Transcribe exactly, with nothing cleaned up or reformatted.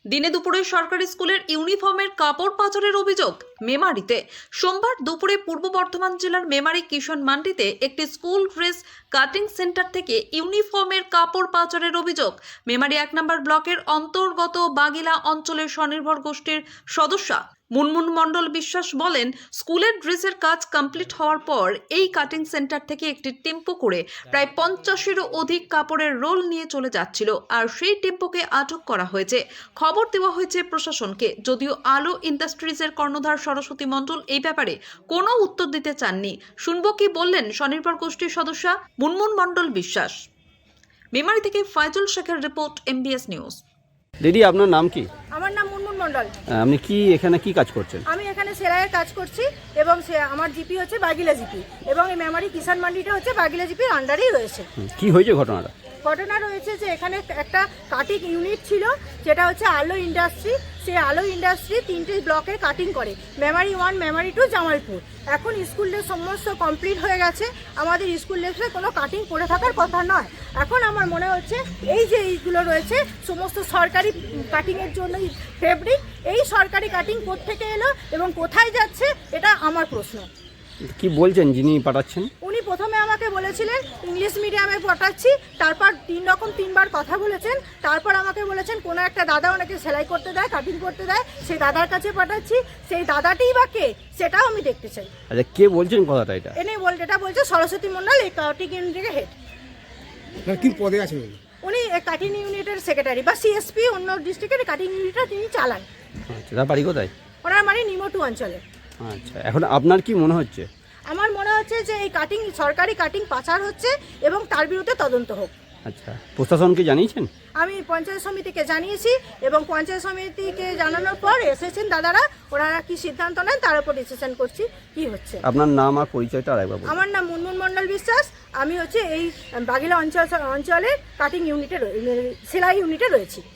দিনে দুপুরে সরকারি স্কুলের ইউনিফর্মের কাপড় পাচারের অভিযোগ মেমারিতে। সোমবার দুপুরে পূর্ব বর্ধমান জেলার মেমারি কিষাণ মান্ডিতে একটি স্কুল ড্রেস কাটিং সেন্টার থেকে ইউনিফর্মের কাপড় পাচারের অভিযোগ। মেমারি এক নম্বর ব্লকের অন্তর্গত বাগিলা অঞ্চলের স্বনির্ভর গোষ্ঠীর সদস্যা মুনমুন মণ্ডল বিশ্বাস বলেন, স্কুলের ড্রেসের কাজ কমপ্লিট হওয়ার পর এই কাটিং সেন্টার থেকে একটি টেম্পো করে প্রায় পঞ্চাশেরও অধিক কাপড়ের রোল নিয়ে চলে যাচ্ছিল, আর সেই টেম্পোকে আটক করা হয়েছে। খবর দেওয়া হয়েছে প্রশাসনকে, যদিও আলো ইন্ডাস্ট্রিজের কর্ণধার সরস্বতী মণ্ডল এই ব্যাপারে কোনো উত্তর দিতে চাননি। শুনবো কি বললেন স্বনির্ভর গোষ্ঠীর সদস্যা মুনমুন মণ্ডল বিশ্বাস। মেমারি থেকে ফাইজুল শেখের রিপোর্ট, এমবিএস নিউজ। দিদি, আপনার নাম কি? আমার নাম মুনমুন মণ্ডল। আপনি কি এখানে কি কাজ করছেন? আমি এখানে সেলাইয়ের কাজ করছি এবং সে আমার জিপি হচ্ছে বাগিলা জিপি এবং এই মেমারি কিষাণ মান্ডিটা হচ্ছে বাগিলা জিপির আন্ডারেই রয়েছে। কি হয়েছে ঘটনাটা? ঘটনা রয়েছে যে এখানে একটা কাটিং ইউনিট ছিল, যেটা হচ্ছে আলো ইন্ডাস্ট্রি। সেই আলো ইন্ডাস্ট্রি তিনটে ব্লকে কাটিং করে, মেমারি ওয়ান, মেমারি টু, জামালপুর। এখন স্কুল ড্রেস সমস্ত কমপ্লিট হয়ে গেছে, আমাদের স্কুল ড্রেসে কোনো কাটিং করে থাকার কথা নয়। এখন আমার মনে হচ্ছে এই যে এইগুলো রয়েছে সমস্ত সরকারি কাটিংয়ের জন্য ফেব্রিক, এই সরকারি কাটিং কোত্থেকে এলো এবং কোথায় যাচ্ছে, এটা আমার প্রশ্ন। কি বলছেন যিনি পাঠাচ্ছেন? উনি প্রথমে আমাকে বলেছিলেন ইংলিশ মিডিয়ামে পাঠাচ্ছি, তারপর তিন রকম তিনবার কথা বলেছেন, তারপর আমাকে বলেছেন কোনো একটা দাদা ওনাকে সেলাই করতে দেয়, কাটিং করতে দেয়, সেই দাদার কাছে পাঠাচ্ছি। সেই দাদাটিই বা কে, সেটাও আমি দেখতে চাই। আচ্ছা, কে বলছেন কথাটা? এটা এনে বল এটা বলছে সরস্বতী মণ্ডল, এই কাটিং ইউনিটের হেড। কি পদে আছেন উনি? উনি কাটিং ইউনিটের সেক্রেটারি বা সিএসপি, অন্য ডিস্ট্রিক্টের কাটিং ইউনিটটা তিনি চালান। আচ্ছা, তার বাড়ি কোথায়? ওনার মানে নিমটু অঞ্চলে। আচ্ছা, এখন আপনার কি মনে হচ্ছে? আমার মনে হচ্ছে যে এই কাটিং সরকারি কাটিং পাচার হচ্ছে এবং তার বিরুদ্ধে তদন্ত হোক। আচ্ছা, প্রশাসনকে জানিয়েছেন? আমি পঞ্চায়েত সমিতিকে জানিয়েছি এবং পঞ্চায়েত সমিতিকে জানানোর পর এসেছেন দাদারা, ওনারা কি সিদ্ধান্ত নেন তার উপর ডিসিশন করছি কি হচ্ছে। আপনার নাম আর পরিচয়টা আরেকবার বলুন। আমার নাম মুনমুন মণ্ডল বিশ্বাস। আমি হচ্ছে এই বাগিলা অঞ্চল অঞ্চলের কাটিং ইউনিটে সেলাই ইউনিটে রয়েছি।